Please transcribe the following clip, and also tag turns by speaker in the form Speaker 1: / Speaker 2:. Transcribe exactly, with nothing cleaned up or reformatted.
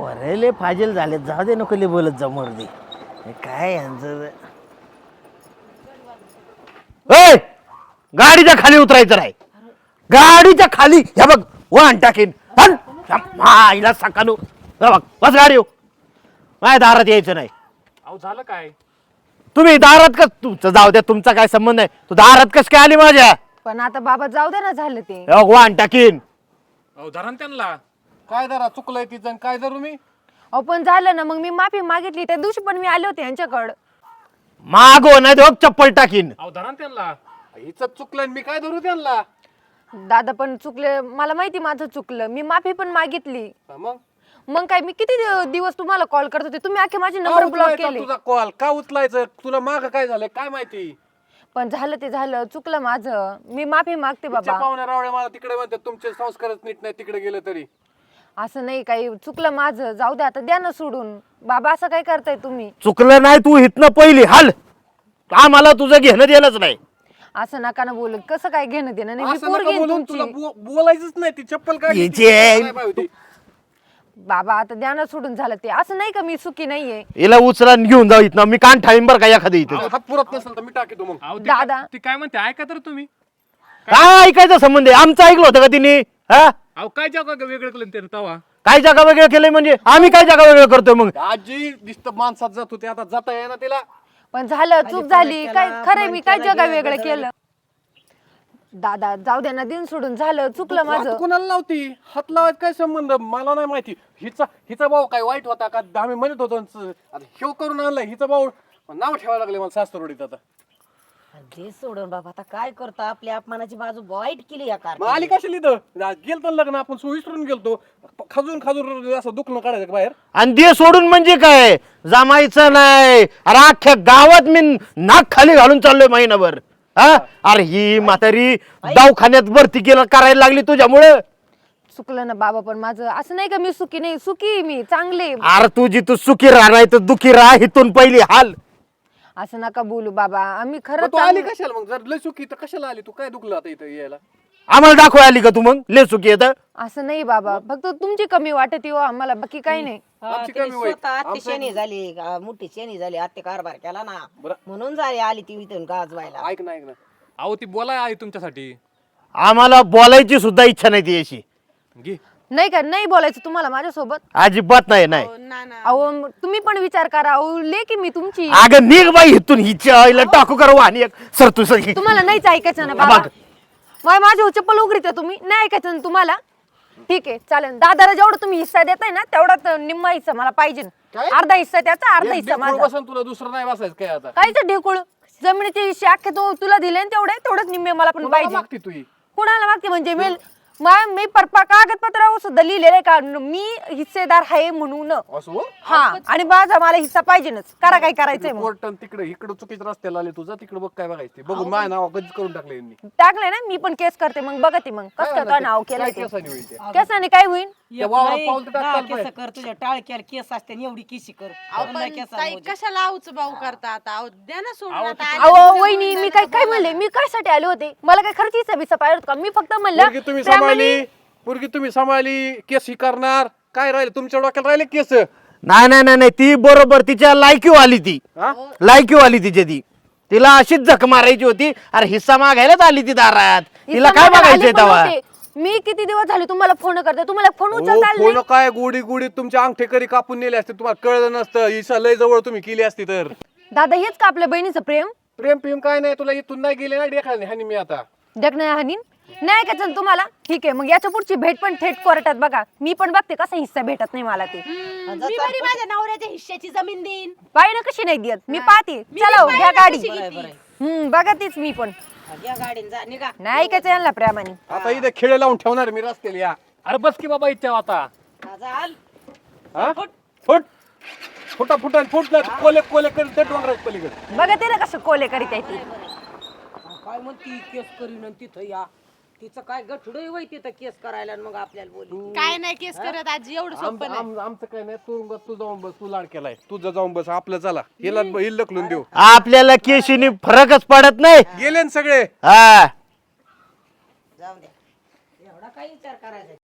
Speaker 1: पोरेले फाजील झाले, जाऊ दे, नको लय बोलत जाऊ मर्दी. काय यांचं ए गाडीच्या खाली उतरायचं नाही, गाडीच्या खाली. हे बघ वाहन टाकीन आईला सकाळू. बघ बस गाडी येऊ, माझ्या दारात यायचं नाही.
Speaker 2: अहो झालं काय?
Speaker 1: तुम्ही दारात कस, तुमचं जाऊ द्या, तुमचा काय संबंध आहे. तू दारात कस काय आली माझ्या?
Speaker 3: पण आता बाबा जाऊ दे ना, झालं ते.
Speaker 1: हे बघ वाहन टाकीन.
Speaker 2: अहो धरा ना त्यांना. काय धरा, चुकलंय तिचं काय धरू मी?
Speaker 3: अहो पण झालं ना, मग मी माफी मागितली. त्या दिवशी पण मी आले होते यांच्याकडं.
Speaker 1: मागो नाही तर चप्पल टाकीन.
Speaker 2: अहो धरा ना त्यांना. हिचं चुकलंय मी काय धरू त्यांना?
Speaker 3: दादा पण चुकले, मला माहिती माझं चुकलं. मी माफी पण मागितली.
Speaker 2: मग
Speaker 3: मग काय, मी किती दिव- दिवस तुम्हाला कॉल करत होते, तुम्ही आखे माझे नंबर ब्लॉक केले.
Speaker 2: तुझा कॉल का उचलायचं? तुला माग काय झालंय काय माहिती?
Speaker 3: पण झालं ते झालं, चुकलं माझं. मी माफी मागते बाबा.
Speaker 2: पाहुण्या रावळे मला तिकडे म्हणतात तुमचे संस्कारच नीट नाही, तिकडे गेलं तरी.
Speaker 3: असं नाही, काही चुकलं माझं, जाऊ दे आता, द्या ना सोडून. बाबा असं काय करताय तुम्ही?
Speaker 1: चुकलं नाही, तू हितनं पहिली हाल. आम्हाला तुझं घेणं देणंच नाही.
Speaker 3: असं नका ना बोलू. कसं काय घेणं देणं नाही, मी
Speaker 2: असं
Speaker 3: पोर
Speaker 2: नका
Speaker 3: घेईन
Speaker 2: बोलून, तुला
Speaker 3: तुमची.
Speaker 2: बो- बोलायचंच नाही. ती चप्पल काय
Speaker 1: हिचे-
Speaker 3: बाबा आता द्या ना सोडून. झालं ते, असं नाही का मी सुखी नाहीये.
Speaker 1: हिला उचला आणि घेऊन जाऊ इथनं. मी कान ठाईन बरं का एखादी इथे.
Speaker 2: हात पुरत नसेल तर मी टाकीतो मग.
Speaker 3: दादा
Speaker 4: ती काय म्हणते ऐका तर तुम्ही.
Speaker 1: काय ऐकायचा संबंध आहे? आमचं ऐकलं होतं का तिने? हा
Speaker 4: अहो काय जगा वेगळं केलं त्यानं तवा.
Speaker 1: काय जागा वेगळं केलंय म्हणजे? आम्ही काय जागा वेगळं करतोय मग?
Speaker 2: आजी दिसत माणसात जात होते, आता जाता येईना तिला.
Speaker 3: पण झालं, चूक झाली. काय खरंय, मी काय जगा वेगळं केलं? दादा जाऊ दे ना, दिन सोडून. झालं, चुकलं
Speaker 2: हात
Speaker 3: माझं.
Speaker 2: कोणाला लावती? हात लावायचं काय संबंध? मला नाही माहिती. हिचा हिचा भाऊ काय वाईट होता का? आम्ही म्हणत होतो न, आता ह्यो करून आणलाय हिचा भाऊ. नाव ठेवायला लागले मला सासरवडीत. आता
Speaker 5: दे सोडून बाबा, आता काय करतो? आपल्या अपमानाची बाजू वाईट केली या कार.
Speaker 2: मग आली कशाला इथं? गेलतो ना लग्न आपण, सो विसरून गेलतो. खाजून खाजून असं दुखणं काढायचं का बाहेर?
Speaker 1: आणि दे सोडून म्हणजे काय? जमायचं नाही. अरे अख्ख्या गावात मी नाक खाली घालून चाललोय महिनाभर. हा अरे ही म्हातारी दवाखान्यात भरती केलं करायला लागली तुझ्यामुळे.
Speaker 3: चुकलं ना बाबा, पण माझं असं नाही का मी सुखी नाही. सुखी आहे मी, चांगले.
Speaker 1: अरे तुझी तू सुखी राह तर दुखी राह, इथून पहिली हाल.
Speaker 3: असं नका बोलू बाबा, आम्ही
Speaker 2: मग
Speaker 3: खरं
Speaker 2: तू आली कशाला मग? जर लय सुखी तर कशाला आली तू? काय दुखलं आता इथं यायला?
Speaker 1: आम्हाला दाखवाय आली का तू मग? ले सुखी येत.
Speaker 3: असं नाही बाबा, फक्त तुमची कमी वाटत हो आम्हाला, बाकी काही नाही.
Speaker 2: आमची कमी वाईट.
Speaker 5: स्वतः अतिशयनी झाली, आ, मोठी शेणी झाली, आत्ते कारभार केला ना
Speaker 2: बरं.
Speaker 5: म्हणून झाली आली ती इथून गाजवायला.
Speaker 2: ऐक ना ऐक ना
Speaker 4: अहो ती बोलाय आहे तुमच्यासाठी.
Speaker 1: आम्हाला बोलायची सुद्धा इच्छा नाही ती अशी.
Speaker 4: घे.
Speaker 3: नाही का, नाही बोलायचं तुम्हाला माझ्यासोबत?
Speaker 1: अजिबात नाही. नाही
Speaker 3: अहो म- तुम्ही पण विचार करा. अहो ले की मी तुमची.
Speaker 1: अगं निघ बाई इथून. हिच्या आईला टाकू करू आणि एक सर तू सर.
Speaker 3: तुम्हाला नाहीच ऐकायचं ना बाबा? मग माझी चप्पल उघडीत तुम्ही नाही ऐकायचं ना तुम्हाला? ठीक आहे चालेल. दादाला जेवढं तुम्ही हिस्सा देताय ना, तेवढाच निम्मा हिस्सा मला पाहिजे.
Speaker 2: काय?
Speaker 3: अर्धा हिस्सा त्याचा, अर्धा
Speaker 2: एक
Speaker 3: हिस्सा
Speaker 2: ढेकूळ
Speaker 3: माझा.
Speaker 2: बसन तुला, दुसरं नाही बसायचं काय आता?
Speaker 3: कायच ढेकुळ? जमिनीचे हिस्से अख्खे तू तुला दिले ना, तेवढे तेवढेच निम्मे मला पण
Speaker 2: कोणाला
Speaker 3: पाहिजे.
Speaker 2: मागती तू ही?
Speaker 3: कुणाला मागते म्हणजे? मी मा- मी परपा कागदपत्रावर सुद्धा लिहिलेलं आहे का मी हिस्सेदार आहे म्हणून.
Speaker 2: असं हो?
Speaker 3: हा, आणि माझा मला हिस्सा पाहिजेच. करा काय करायचंय मग.
Speaker 2: कोर्टन तिकडे इकडे चुकीच्या रस्त्याला आले तुझा, तिकडे बघ काय बघायचं ते. बघून माझ्या नाव कधीच करून टाकले यांनी.
Speaker 3: टाकलंय ना, मी पण केस करते मग. बघा ती मग कसं काय
Speaker 2: काय
Speaker 3: नाव
Speaker 2: काय
Speaker 3: केलंय ते.
Speaker 2: केसाने होईल ते?
Speaker 3: केसाने काय होईल?
Speaker 2: त्या वावरात पाऊल तर
Speaker 5: दहा
Speaker 2: टाकायला
Speaker 5: केस
Speaker 2: पाहिजे.
Speaker 5: कर, तुझ्या टाळक्याला केस असते आणि एवढी केसी कर.
Speaker 6: अहो,
Speaker 5: पुन्हा
Speaker 6: पण
Speaker 5: केसाला
Speaker 6: ताई
Speaker 5: मोजे.
Speaker 6: कशाला आऊच भाऊ करता आता? अहो, द्या ना सोडून आता. आले
Speaker 3: अहो
Speaker 6: तुमच्या
Speaker 3: वहिनी,
Speaker 6: मुलीला
Speaker 3: मी
Speaker 6: तर
Speaker 3: काय काय
Speaker 6: बोला.
Speaker 3: म्हणले? मी काय आले होते? मला काय खर्च हिस्सा बिस्सा पाहिजे होता का? मी फक्त
Speaker 2: पोरगी
Speaker 3: म्हणलं
Speaker 2: तुम्ही
Speaker 3: प्रेमाने-
Speaker 2: सांभाळली, पोरगी तुम्ही सांभाळली, केस ही करणार. काय राहिले तुमच्या डोक्यात? राहिले केस?
Speaker 1: नाही नाही नाही नाही ती बरोबर तिच्या लायकीव आली. ती
Speaker 2: हा?
Speaker 1: लायकीव आली तिच्या. ती तिला अशीच झक मारायची होती. अरे हिस्सा मागायलाच आली ती दारात. तिला
Speaker 3: हिस्सा
Speaker 1: काय
Speaker 3: मागायला
Speaker 1: बघायचंय
Speaker 3: आले पण
Speaker 1: तेव्हा?
Speaker 3: होते. मी किती दिवस झाले तुम्हाला फोन करते, तुम्हाला फोन
Speaker 2: हो,
Speaker 3: उचलता आला
Speaker 2: फोन
Speaker 3: नाही.
Speaker 2: काय गुडी गुडी तुमच्या अंगठे करी कापून नेले असते, तुम्हाला कळलं नसतं. हिसा लय जवळ तुम्ही केली असती तर.
Speaker 3: दादा हेच का आपल्या बहिणीचं प्रेम?
Speaker 2: प्रेम प्रेम काय नाही, तुला इथून नाही गेले ना डेखाने हानी मी आता.
Speaker 3: देख नाही हानी नाही का तुम्हाला? ठीक आहे मग याच्या पुढची भेट पण थेट कोर्टात बघा. मी पण बघते कसा हिस्सा भेटत नाही मला ते.
Speaker 6: हम्म, मी बरी माझ्या नवऱ्याच्या हिश्श्याची जमीन देईन.
Speaker 3: पाहिजे कशी नाही देत मी पाहते.
Speaker 6: मी
Speaker 3: चला हो,
Speaker 6: बी
Speaker 3: घ्या
Speaker 6: पाहिलं
Speaker 3: गाडी.
Speaker 6: कशी
Speaker 5: बरं,
Speaker 6: किती.
Speaker 5: बरं.
Speaker 3: हम्म बघा तीच मी पण.
Speaker 5: या गाडीन जा निघा.
Speaker 3: नाही ऐकायचं यांना प्रेमाने.
Speaker 2: आता इथे खेळ लावून ठेवणार मी रस्त्याला. या
Speaker 4: अरे बस की बाबा इच्छा आता.
Speaker 5: हा, चाल.
Speaker 2: हा? फुट फुटा फुटा फुट कोले कोले करीत त्या डोंगराच्या पलीकडे.
Speaker 3: बघा ते ना कसं कोले करीत आहे ती.
Speaker 5: काय म्हणती केस करीन आणि तिथं या. तिचं काय गठुडं वय तिथं केस करायला आणि मग आपल्याला बोलू.
Speaker 6: काय नाही केस करत आजी, एवढं
Speaker 2: आम-
Speaker 6: सोपं नाही.
Speaker 2: आम- आमचं काय नाही. तू तू जाऊन बस, तू लाड केलाय, तुझं जाऊन बस. आपलं चला हिला हिल लकलून देऊ.
Speaker 1: आपल्याला केशीने फरकच पडत नाही.
Speaker 2: गेले ना सगळे.
Speaker 1: हा
Speaker 5: जाऊ द्या. एवढा काय विचार करायचा.